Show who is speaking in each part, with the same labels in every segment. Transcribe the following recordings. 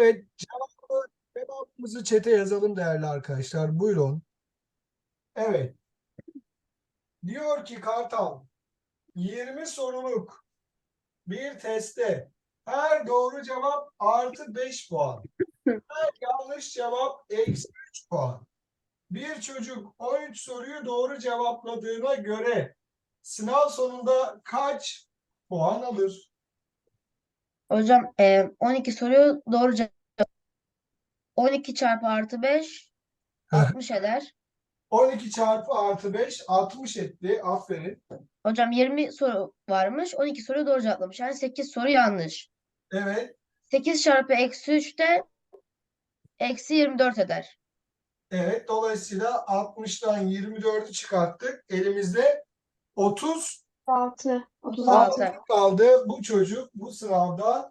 Speaker 1: Evet, cevabımızı çete yazalım değerli arkadaşlar. Buyurun. Evet, diyor ki Kartal, 20 soruluk bir testte her doğru cevap artı 5 puan. Her yanlış cevap eksi 3 puan. Bir çocuk 13 soruyu doğru cevapladığına göre sınav sonunda kaç puan alır?
Speaker 2: Hocam 12 soruyu doğru cevap. 12 çarpı artı 5 60 eder.
Speaker 1: 12 çarpı artı 5 60 etti. Aferin.
Speaker 2: Hocam 20 soru varmış. 12 soruyu doğru cevaplamış. Yani 8 soru yanlış.
Speaker 1: Evet.
Speaker 2: 8 çarpı eksi 3 de eksi 24 eder.
Speaker 1: Evet, dolayısıyla 60'tan 24'ü çıkarttık. Elimizde 36
Speaker 3: 6.
Speaker 2: 36.
Speaker 1: kaldı. Bu çocuk bu sınavda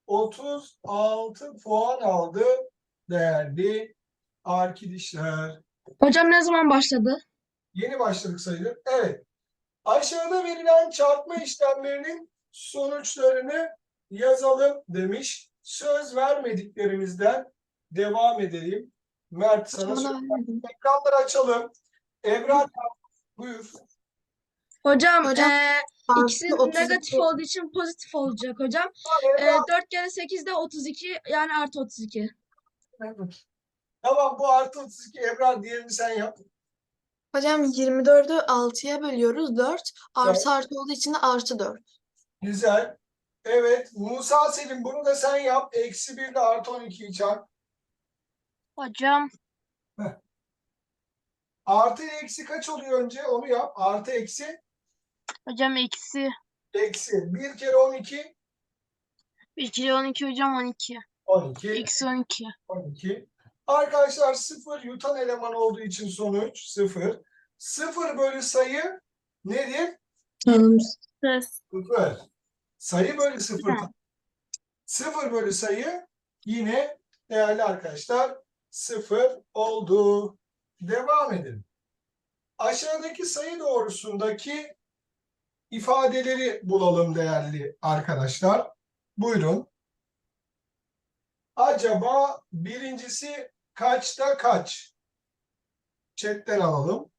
Speaker 1: 36 puan aldı değerli arkadaşlar.
Speaker 3: Hocam ne zaman başladı?
Speaker 1: Yeni başladık sayılır. Evet. Aşağıda verilen çarpma işlemlerinin sonuçlarını yazalım demiş. Söz vermediklerimizden devam edelim. Mert sana
Speaker 3: Hocam
Speaker 1: söz
Speaker 3: bana vermedin.
Speaker 1: ekranları açalım. Ebrar buyur.
Speaker 3: Hocam
Speaker 4: Hocam
Speaker 3: ikisi
Speaker 4: artı 32.
Speaker 3: negatif olduğu için pozitif olacak hocam.
Speaker 1: Ebrar.
Speaker 3: 4 kere 8 de 32 yani artı 32.
Speaker 1: Tamam bu artı 32 Ebrar diğerini sen yap.
Speaker 4: Hocam 24'ü 6'ya bölüyoruz 4.
Speaker 1: Evet,
Speaker 4: Artı artı olduğu için de artı 4.
Speaker 1: güzel. Evet Musa Selim bunu da sen yap. Eksi 1 ile artı 12'yi çarp.
Speaker 3: Hocam
Speaker 1: Heh. Artı ile eksi kaç oluyor önce onu yap. Artı eksi
Speaker 3: eksi
Speaker 1: eksi. 1 kere 12
Speaker 3: 1 kere 12 hocam 12.
Speaker 1: 12
Speaker 3: Eksi 12.
Speaker 1: 12. Arkadaşlar 0 yutan eleman olduğu için sonuç 0. 0 bölü sayı nedir?
Speaker 4: Tanımsız.
Speaker 1: 0. Sayı bölü 0. 0 bölü sayı yine değerli arkadaşlar 0 oldu. Devam edelim. Aşağıdaki sayı doğrusundaki ifadeleri bulalım değerli arkadaşlar. Buyurun. Acaba birincisi kaçta kaç? Chatten alalım.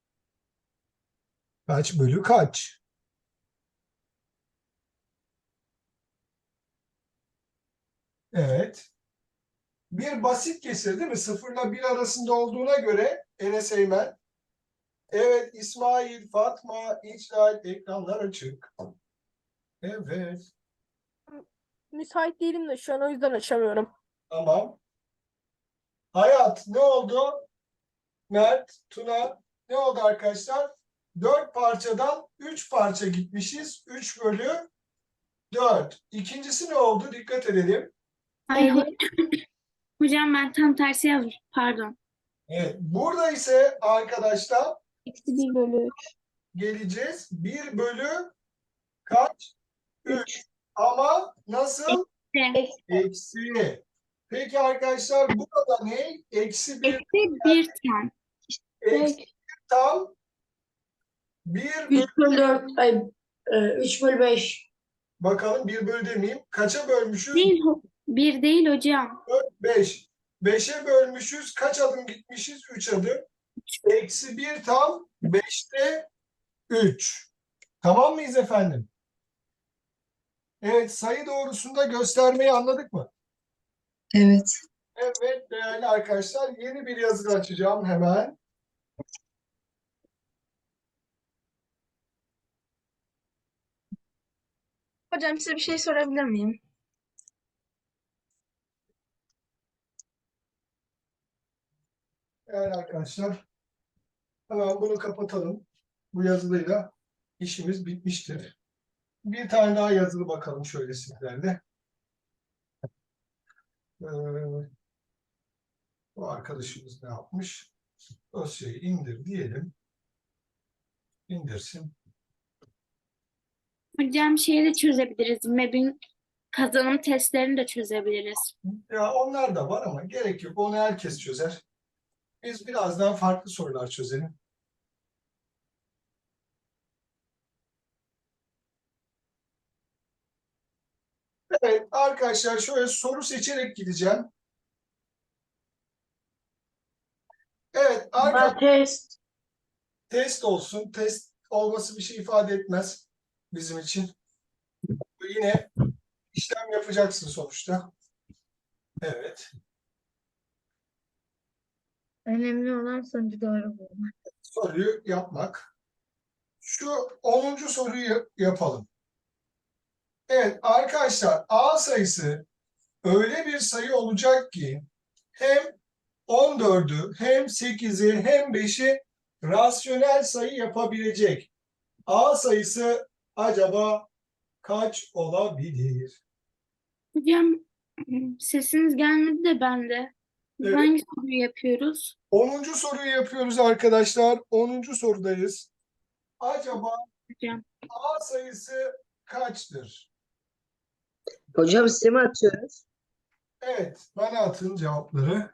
Speaker 1: Kaç bölü kaç? Evet. Bir basit kesir değil mi? Sıfırla bir arasında olduğuna göre Enes Eymen. Evet İsmail, Fatma, İclal ekranlar açık. Evet.
Speaker 5: Müsait değilim de şu an o yüzden açamıyorum.
Speaker 1: Tamam. Hayat ne oldu? Mert, Tuna ne oldu arkadaşlar? 4 parçadan 3 parça gitmişiz. 3 bölü 4. İkincisi ne oldu? Dikkat edelim.
Speaker 6: Ay hocam ben tam tersi yazmış. Pardon.
Speaker 1: Evet. Burada ise arkadaşlar
Speaker 5: Eksi 1 bölü 3.
Speaker 1: geleceğiz. 1 bölü kaç? 3. Ama nasıl?
Speaker 6: Eksi
Speaker 1: Eksi. Peki arkadaşlar burada ne? Eksi 1
Speaker 6: bir tam.
Speaker 1: eksi tam 1 bölü
Speaker 7: 3 bölü 4, 3 bölü 5.
Speaker 1: bakalım 1 bölü demeyeyim. Kaça bölmüşüz?
Speaker 6: Değil, bir değil hocam.
Speaker 1: 5. 5'e bölmüşüz. Kaç adım gitmişiz? 3 adım. Eksi 1 tam 5'te 3. Tamam mıyız efendim? Evet sayı doğrusunda göstermeyi anladık mı?
Speaker 4: Evet.
Speaker 1: Evet değerli arkadaşlar yeni bir yazı açacağım hemen.
Speaker 3: Hocam size bir şey sorabilir miyim?
Speaker 1: Değerli arkadaşlar hemen bunu kapatalım. Bu yazılıyla işimiz bitmiştir. Bir tane daha yazılı bakalım şöyle sizlerle. Bu arkadaşımız ne yapmış? Dosyayı indir diyelim. İndirsin.
Speaker 6: Hocam şeyi de çözebiliriz. MEB'in kazanım testlerini de çözebiliriz.
Speaker 1: Ya onlar da var ama gerek yok. Onu herkes çözer. Biz biraz daha farklı sorular çözelim. Evet arkadaşlar şöyle soru seçerek gideceğim. Evet arkadaşlar
Speaker 7: Test.
Speaker 1: test olsun. Test olması bir şey ifade etmez bizim için. Yine işlem yapacaksın sonuçta. Evet.
Speaker 2: Önemli olan sonucu doğru bulmak.
Speaker 1: Soruyu yapmak. Şu 10. soruyu yapalım. Evet arkadaşlar A sayısı öyle bir sayı olacak ki hem 14'ü hem 8'i hem 5'i rasyonel sayı yapabilecek. A sayısı acaba kaç olabilir?
Speaker 6: Hocam sesiniz gelmedi de bende.
Speaker 1: Evet.
Speaker 6: Hangi soruyu yapıyoruz?
Speaker 1: 10. soruyu yapıyoruz arkadaşlar. 10. sorudayız. Acaba
Speaker 6: Hocam.
Speaker 1: A sayısı kaçtır?
Speaker 8: Hocam size mi atıyoruz?
Speaker 1: Evet, bana atın cevapları.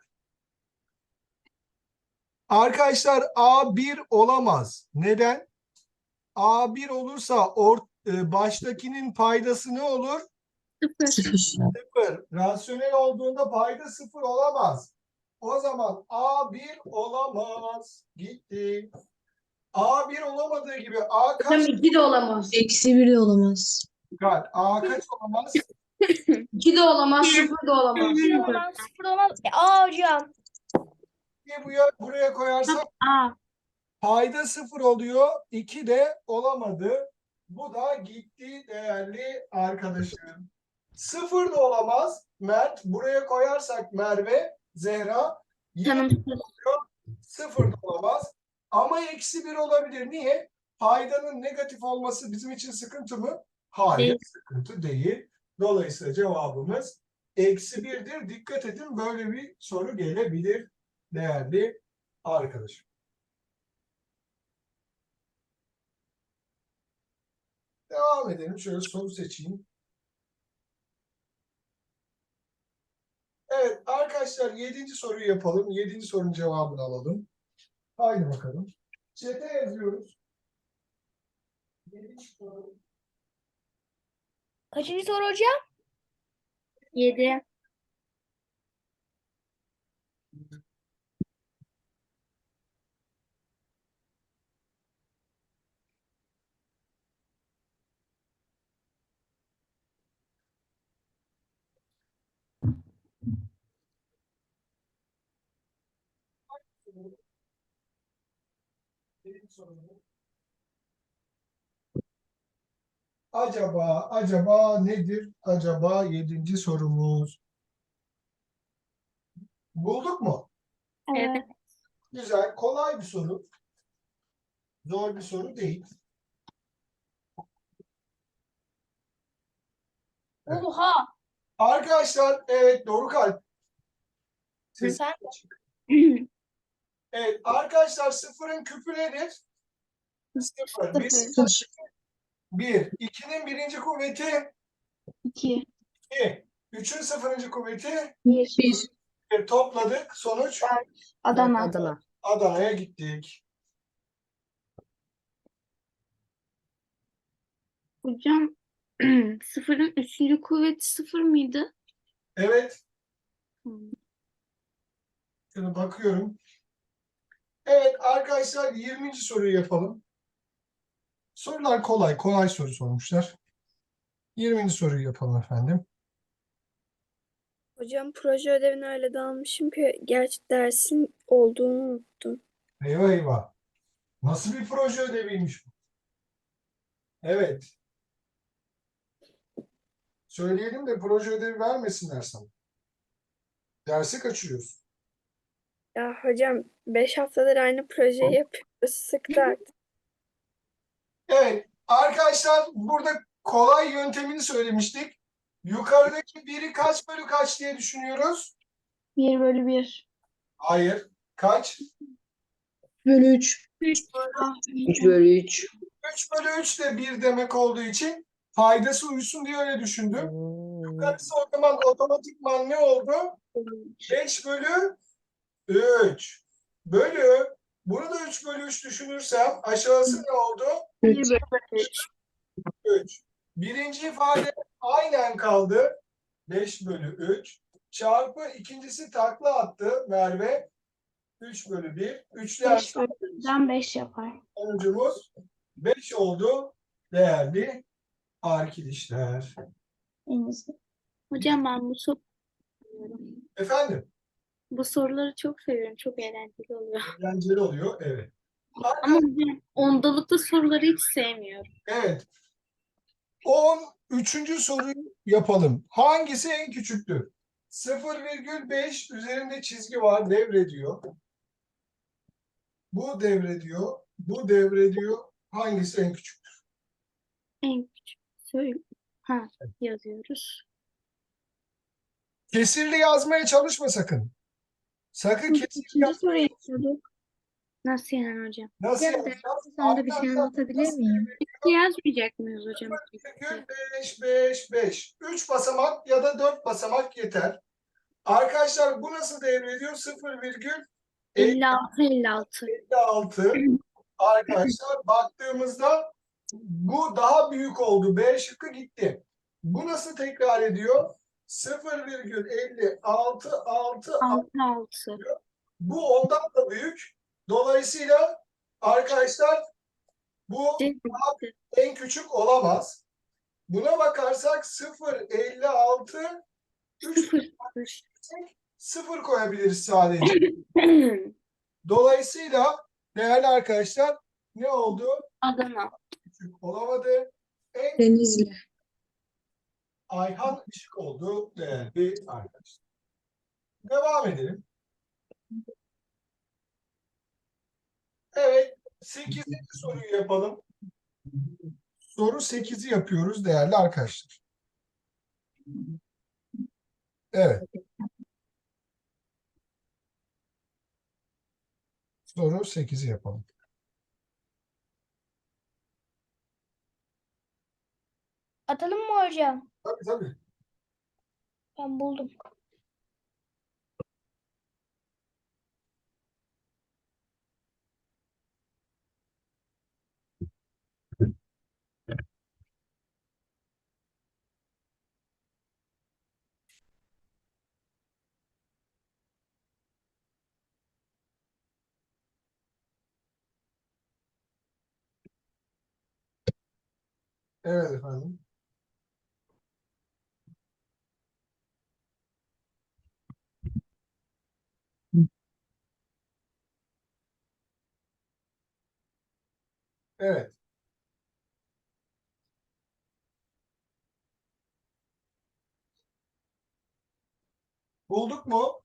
Speaker 1: Arkadaşlar A 1 olamaz. Neden? A 1 olursa baştakinin paydası ne olur?
Speaker 6: 0.
Speaker 1: 0. Rasyonel olduğunda payda 0 olamaz. O zaman A 1 olamaz. Gitti. A 1 olamadığı gibi A
Speaker 7: Hocam
Speaker 1: kaç?
Speaker 7: 2 de olamaz.
Speaker 4: -1 de olamaz.
Speaker 1: Dikkat. A kaç olamaz?
Speaker 7: 2 de olamaz, 0 da olamaz.
Speaker 5: Olan 0 olmaz. Aa hocam.
Speaker 1: Buraya koyarsak
Speaker 6: A.
Speaker 1: payda 0 oluyor. 2 de olamadı. Bu da gitti değerli arkadaşım. 0 da olamaz. Mert buraya koyarsak Merve, Zehra yine
Speaker 6: Tanımsız.
Speaker 1: 0 da olamaz. Ama -1 olabilir. Niye? Paydanın negatif olması bizim için sıkıntı mı? Hayır,
Speaker 6: Değil.
Speaker 1: sıkıntı değil. Dolayısıyla cevabımız -1'dir. Dikkat edin, böyle bir soru gelebilir değerli arkadaşım. Devam edelim. Şöyle soru seçeyim. Evet arkadaşlar 7. soruyu yapalım. 7. sorunun cevabını alalım. Haydi bakalım. Chat'e yazıyoruz. 7. soru.
Speaker 5: Kaçıncı soru hocam?
Speaker 6: 7.
Speaker 1: Acaba nedir? Acaba 7. sorumuz. Bulduk mu?
Speaker 6: Evet.
Speaker 1: Güzel. Kolay bir soru. Zor bir soru değil. Evet.
Speaker 5: Oha.
Speaker 1: Arkadaşlar evet doğru kalp. Ses
Speaker 5: Sen-
Speaker 1: açık. Evet arkadaşlar sıfırın küpü nedir? 0. 1. 2'nin birinci kuvveti
Speaker 3: 2.
Speaker 1: 2. 3'ün sıfırıncı kuvveti
Speaker 5: 1.
Speaker 1: topladık. Sonuç
Speaker 3: Adana.
Speaker 8: Adana.
Speaker 1: Adana'ya gittik.
Speaker 6: Hocam 0'ın 3. kuvveti 0 mıydı?
Speaker 1: Evet.
Speaker 6: Hmm.
Speaker 1: Şöyle bakıyorum. Evet arkadaşlar 20. soruyu yapalım. Sorular kolay. Kolay soru sormuşlar. 20. soruyu yapalım efendim.
Speaker 9: Hocam proje ödevini öyle dağılmışım ki gerçi dersin olduğunu unuttum.
Speaker 1: Eyvah eyvah. Nasıl bir proje ödeviymiş bu? Evet. Söyleyelim de proje ödevi vermesinler sana. Dersi kaçırıyorsun.
Speaker 9: Ya hocam 5 haftadır aynı projeyi yapıyoruz. Sıktı artık.
Speaker 1: Evet. Arkadaşlar burada kolay yöntemini söylemiştik. Yukarıdaki biri kaç bölü kaç diye düşünüyoruz?
Speaker 3: 1 bölü 1.
Speaker 1: Hayır. Kaç?
Speaker 4: Bölü 3.
Speaker 8: 3 bölü 3.
Speaker 1: 3 bölü 3 de 1 demek olduğu için faydası uysun diye öyle düşündüm. Yukarısı o zaman otomatikman ne oldu? 5 bölü 3. Bölü. Bunu da 3 bölü 3 düşünürsem aşağısı ne oldu?
Speaker 3: 1 bölü 3.
Speaker 1: 3. Birinci ifade aynen kaldı. 5 bölü 3 çarpı ikincisi takla attı Merve. 3 bölü 1. 3'ler
Speaker 3: 5 bölü 1'den 5 yapar.
Speaker 1: sonucumuz 5 oldu değerli arkadaşlar.
Speaker 3: En iyisi.
Speaker 6: Hocam ben
Speaker 1: Efendim,
Speaker 6: bu soruları çok seviyorum. Çok eğlenceli oluyor.
Speaker 1: eğlenceli oluyor. Evet.
Speaker 6: Ama hocam ondalıklı soruları hiç sevmiyorum.
Speaker 1: Evet. 13. soruyu yapalım. Hangisi en küçüktür? 0,5 üzerinde çizgi var, devrediyor. Bu devrediyor. Bu devrediyor. Hangisi en küçük?
Speaker 6: En küçük. Söyle. Ha, yazıyoruz.
Speaker 1: Kesirli yazmaya çalışma sakın. Sakın kesirli
Speaker 3: İkinci soruyu yapıyorduk.
Speaker 6: Nasıl yani hocam?
Speaker 1: nasıl
Speaker 7: Hocam
Speaker 1: yazacağız?
Speaker 7: sonunda bir şey anlatabilir miyim?
Speaker 6: Yazmayacak mıyız hocam?
Speaker 1: 5, 5, 5. 3 basamak ya da 4 basamak yeter. Arkadaşlar bu nasıl devrediyor? 0,56.
Speaker 6: 56.
Speaker 1: Arkadaşlar baktığımızda bu daha büyük oldu. B şıkkı gitti. Bu nasıl tekrar ediyor? 0,56.
Speaker 6: 6.
Speaker 1: Bu ondan da büyük. Dolayısıyla arkadaşlar bu en küçük olamaz. Buna bakarsak 0,56 0 koyabiliriz sadece. Dolayısıyla değerli arkadaşlar ne oldu?
Speaker 6: Adana.
Speaker 1: Küçük olamadı. En
Speaker 4: Denizli.
Speaker 1: Ayhan Işık oldu değerli arkadaşlar. Devam edelim. Evet. 8. soruyu yapalım. Soru 8'i yapıyoruz değerli arkadaşlar. Evet. Soru 8'i yapalım.
Speaker 3: Atalım mı hocam?
Speaker 1: Tabii tabii.
Speaker 3: Ben buldum.
Speaker 1: Evet efendim. Evet. Bulduk mu?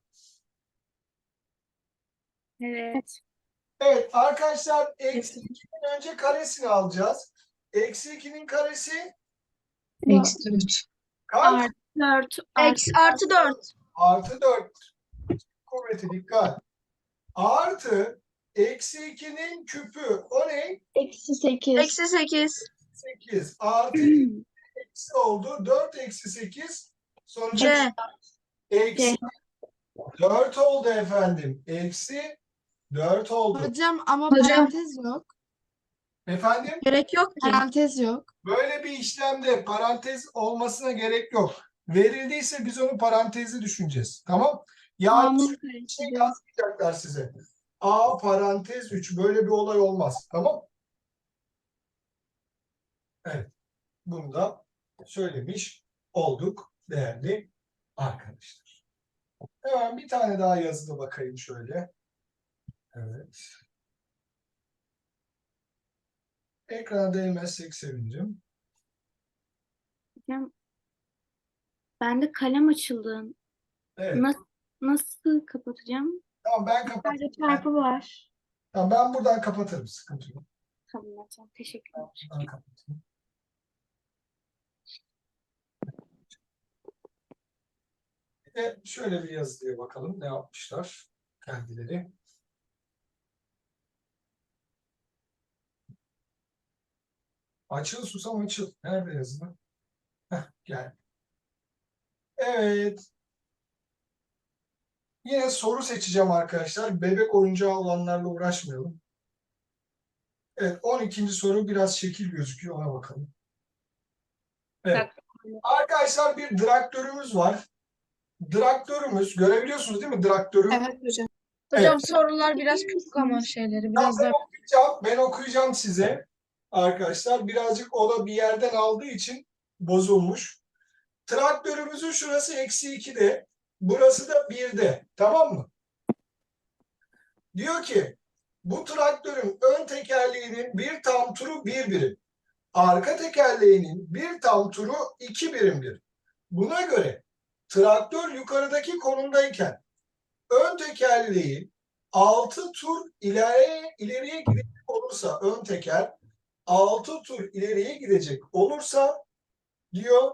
Speaker 6: Evet.
Speaker 1: Evet arkadaşlar eksi 2'nin önce karesini alacağız. Eksi 2'nin karesi
Speaker 4: Eksi 4.
Speaker 1: kaç?
Speaker 6: 4.
Speaker 3: Artı 4.
Speaker 1: Artı 4. Kuvveti dikkat. Artı eksi 2'nin küpü. O ne?
Speaker 3: Eksi 8.
Speaker 7: Eksi 8.
Speaker 1: 8. Artı eksi oldu. 4 eksi 8. Sonuç
Speaker 7: C.
Speaker 1: eksi 4 oldu efendim. Eksi 4 oldu.
Speaker 7: Hocam ama
Speaker 4: Hocam.
Speaker 7: parantez yok.
Speaker 1: Efendim?
Speaker 7: Gerek yok ki. Parantez yok.
Speaker 1: Böyle bir işlemde parantez olmasına gerek yok. Verildiyse biz onu parantezli düşüneceğiz. Tamam? Yani bir şey yazmayacaklar size. A parantez 3 böyle bir olay olmaz. Tamam? Evet. Bunu da söylemiş olduk değerli arkadaşlar. Hemen bir tane daha yazıda bakayım şöyle. Evet. Ekrana değmezsek sevinirim.
Speaker 6: Hocam bende kalem açıldı.
Speaker 1: Evet.
Speaker 6: Nasıl kapatacağım?
Speaker 1: Tamam ben kapatayım.
Speaker 3: Sadece çarpı var.
Speaker 1: Tamam, ben buradan kapatırım. Sıkıntı yok.
Speaker 6: Tamam hocam. Teşekkürler.
Speaker 1: Buradan kapatayım. Bir de şöyle bir yazıya bakalım. Ne yapmışlar kendileri. Açıl susam açıl. Nerede yazılı? Heh, gel. Evet. Yine soru seçeceğim arkadaşlar. Bebek oyuncağı olanlarla uğraşmayalım. Evet, 12. soru biraz şekil gözüküyor. Ona bakalım. Evet. Arkadaşlar bir traktörümüz var. Traktörümüz görebiliyorsunuz değil mi traktörü?
Speaker 7: Evet hocam.
Speaker 1: Evet.
Speaker 7: Hocam sorular biraz küçük ama şeyleri biraz da
Speaker 1: Ben okuyacağım size. Arkadaşlar birazcık o da bir yerden aldığı için bozulmuş. Traktörümüzün şurası -2'de. Burası da 1'de. Tamam mı? Diyor ki bu traktörün ön tekerleğinin bir tam turu 1 birim. Arka tekerleğinin bir tam turu 2 birimdir. Buna göre traktör yukarıdaki konumdayken ön tekerleği 6 tur ileriye gidecek olursa ön teker 6 tur ileriye gidecek olursa diyor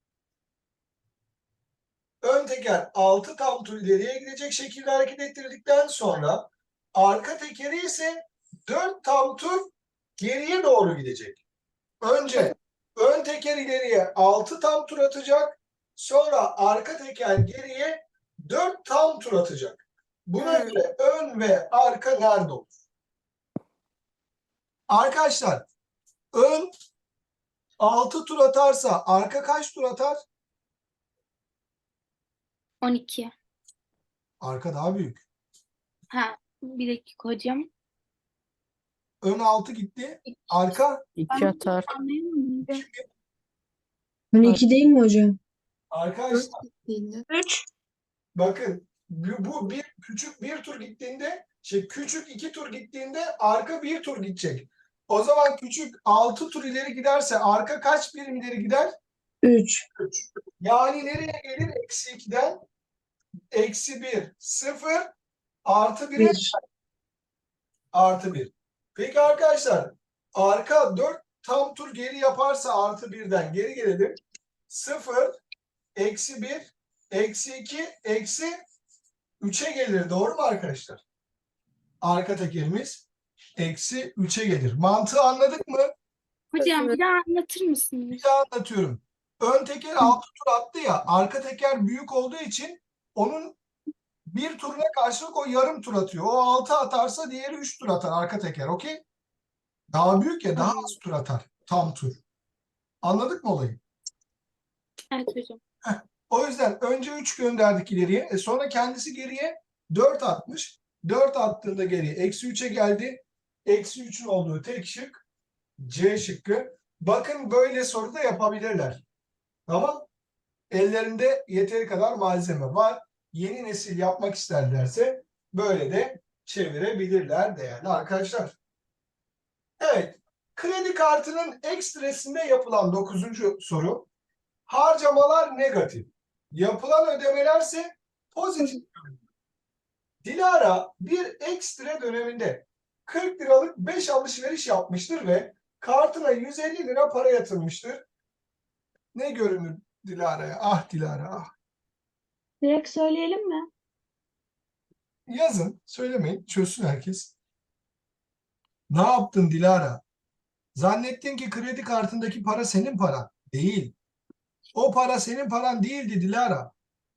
Speaker 1: ön teker 6 tam tur ileriye gidecek şekilde hareket ettirdikten sonra arka tekeri ise 4 tam tur geriye doğru gidecek. Önce ön teker ileriye 6 tam tur atacak. Sonra arka teker geriye 4 tam tur atacak. Buna göre ön ve arka nerede olur? Arkadaşlar ön 6 tur atarsa arka kaç tur atar?
Speaker 6: 12.
Speaker 1: Arka daha büyük.
Speaker 6: Ha, bir dakika hocam.
Speaker 1: Ön 6 gitti. Arka
Speaker 5: 2 atar.
Speaker 6: Anlayamadım.
Speaker 4: 12 değil mi hocam?
Speaker 1: arkadaşlar
Speaker 7: 3.
Speaker 1: bakın bu bir küçük bir tur gittiğinde küçük 2 tur gittiğinde arka bir tur gidecek. O zaman küçük 6 tur ileri giderse arka kaç birim ileri gider?
Speaker 4: 3.
Speaker 1: 3. Yani nereye gelir? -2'den -1, 0, +1'e
Speaker 4: 1.
Speaker 1: +1. Peki arkadaşlar arka 4 tam tur geri yaparsa +1'den geri gelelim. 0, -1, -2, -3'e gelir. Doğru mu arkadaşlar? Arka tekerimiz -3'e gelir. Mantığı anladık mı?
Speaker 6: Hocam bir daha anlatır mısınız?
Speaker 1: Bir daha anlatıyorum. Ön teker 6 tur attı ya. Arka teker büyük olduğu için onun bir turuna karşılık o yarım tur atıyor. O 6 atarsa diğeri 3 tur atar arka teker. Okey? Daha büyük ya daha az tur atar. Tam tur. Anladık mı olayı?
Speaker 6: Evet hocam.
Speaker 1: O yüzden önce 3 gönderdik ileriye. Sonra kendisi geriye 4 atmış. 4 attığında geriye -3'e geldi. -3'ün olduğu tek şık C şıkkı. Bakın böyle soru da yapabilirler. Tamam. Ellerinde yeteri kadar malzeme var. Yeni nesil yapmak isterlerse böyle de çevirebilirler değerli arkadaşlar. Evet. Kredi kartının ekstresinde yapılan 9. soru. Harcamalar negatif. Yapılan ödemelerse pozitif. Dilara bir ekstre döneminde 40 liralık 5 alışveriş yapmıştır ve kartına 150 lira para yatırmıştır. Ne görünür Dilara'ya? Ah Dilara ah.
Speaker 3: Direkt söyleyelim mi?
Speaker 1: Yazın, söylemeyin, çözsün herkes. Ne yaptın Dilara? Zannettin ki kredi kartındaki para senin paran. Değil. O para senin paran değildi Dilara.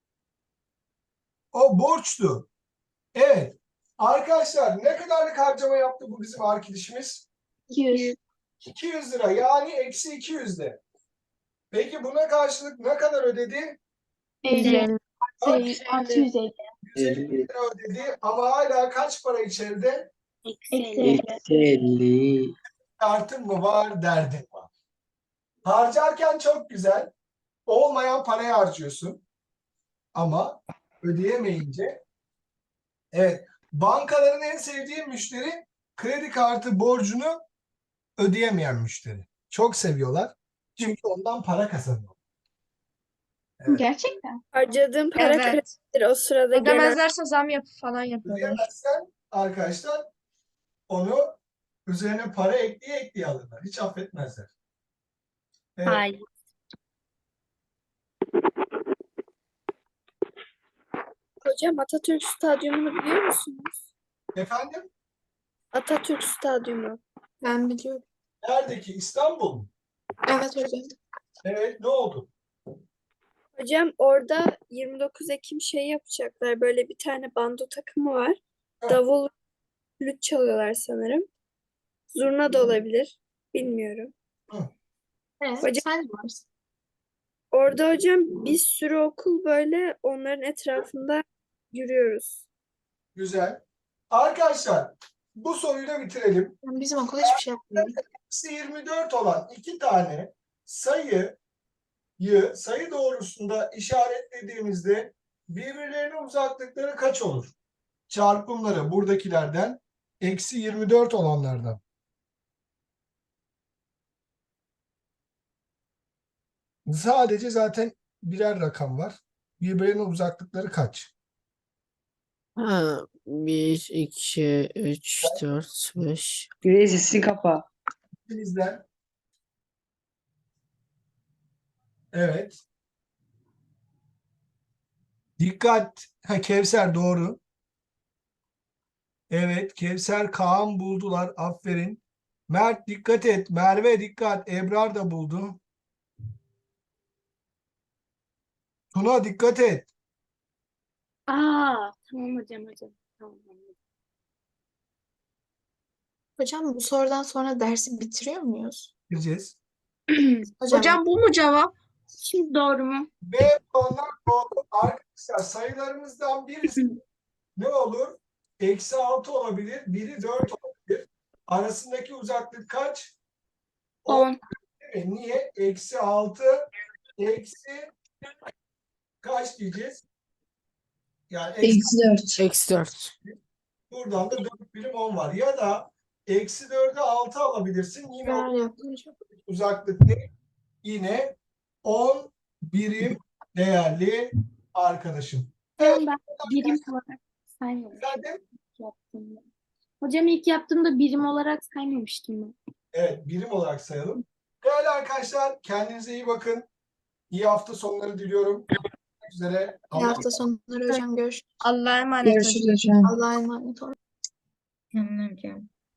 Speaker 1: O borçtu. Evet. Arkadaşlar ne kadarlık harcama yaptı bu bizim arkadaşımız?
Speaker 3: 200.
Speaker 1: 200 lira yani -200'de. Peki buna karşılık ne kadar ödedi?
Speaker 3: 50. 650.
Speaker 1: 150 lira ödedi ama hala kaç para içeride?
Speaker 3: Eksi 50.
Speaker 8: 50.
Speaker 1: Kartın mı var, derdin var. Harcarken çok güzel. Olmayan parayı harcıyorsun. Ama ödeyemeyince evet, bankaların en sevdiği müşteri kredi kartı borcunu ödeyemeyen müşteri. Çok seviyorlar. Çünkü ondan para kazanıyor. Evet.
Speaker 3: Gerçekten.
Speaker 9: Harcadığım para
Speaker 7: Evet.
Speaker 9: kredidir o sırada gelen.
Speaker 7: Ödemezlerse zam falan yapıyorlar.
Speaker 1: Ödeyemezsen arkadaşlar onu üzerine para ekleye alırlar. Hiç affetmezler. Evet.
Speaker 6: Hayır.
Speaker 9: Hocam Atatürk Stadyumu'nu biliyor musunuz?
Speaker 1: Efendim?
Speaker 9: Atatürk Stadyumu.
Speaker 7: Ben biliyorum.
Speaker 1: Neredeki? İstanbul mu?
Speaker 7: Evet hocam.
Speaker 1: Evet. Ne oldu?
Speaker 9: Hocam orada 29 Ekim şey yapacaklar. Böyle bir tane bando takımı var.
Speaker 1: Heh.
Speaker 9: Davul, flüt çalıyorlar sanırım. Zurna da olabilir. Bilmiyorum.
Speaker 7: Evet,
Speaker 9: Hocam-
Speaker 7: sen varsın.
Speaker 9: Orada hocam bir sürü okul böyle onların etrafında yürüyoruz.
Speaker 1: Güzel. Arkadaşlar bu soruyu da bitirelim.
Speaker 7: Bizim okul hiçbir şey yapmıyor.
Speaker 1: Eksi 24 olan iki tane sayı doğrusunda işaretlediğimizde birbirlerine uzaklıkları kaç olur? Çarpımları buradakilerden eksi 24 olanlardan. Sadece zaten birer rakam var. Birbirlerine uzaklıkları kaç?
Speaker 10: Ha, 1, 2, 3, 4, 5.
Speaker 8: Güney sesini kapa.
Speaker 1: İkinizden. Evet. Dikkat. Ha, Kevser doğru. Evet. Kevser, Kaan buldular. Aferin. Mert dikkat et. Merve dikkat. Ebrar da buldu. Tuna dikkat et.
Speaker 6: Aa, tamam hocam. Tamam.
Speaker 7: Hocam bu sorudan sonra dersi bitiriyor muyuz?
Speaker 1: Gireceğiz.
Speaker 7: Hocam bu mu cevap?
Speaker 6: Şimdi doğru mu?
Speaker 1: B puanlar doğru. Arkadaşlar sayılarımızdan birisi ne olur? Eksi 6 olabilir. Biri 4 olabilir. Arasındaki uzaklık kaç?
Speaker 6: 10.
Speaker 1: Niye? Eksi 6 eksi kaç diyeceğiz? Yani eksi
Speaker 4: Eksi 4.
Speaker 10: Eksi 4.
Speaker 1: buradan da 4 birim 10 var. Ya da eksi 4'e 6 alabilirsin. Yine o
Speaker 7: Neler yaptım hocam?
Speaker 1: uzaklık ne? Yine 10 birim değerli arkadaşım.
Speaker 6: Hocam ben birim olarak saymamıştım
Speaker 1: Efendim?
Speaker 6: ilk yaptığımda. Hocam ilk yaptığımda birim olarak saymamıştım ben.
Speaker 1: Evet, birim olarak sayalım. Değerli arkadaşlar, kendinize iyi bakın. İyi hafta sonları diliyorum. Görüşmek üzere.
Speaker 7: İyi hafta sonları hocam. Görüşürüz.
Speaker 5: Allah'a emanet olun.
Speaker 4: Görüşürüz hocam.
Speaker 7: Allah'a emanet olun.
Speaker 4: Tamam hocam.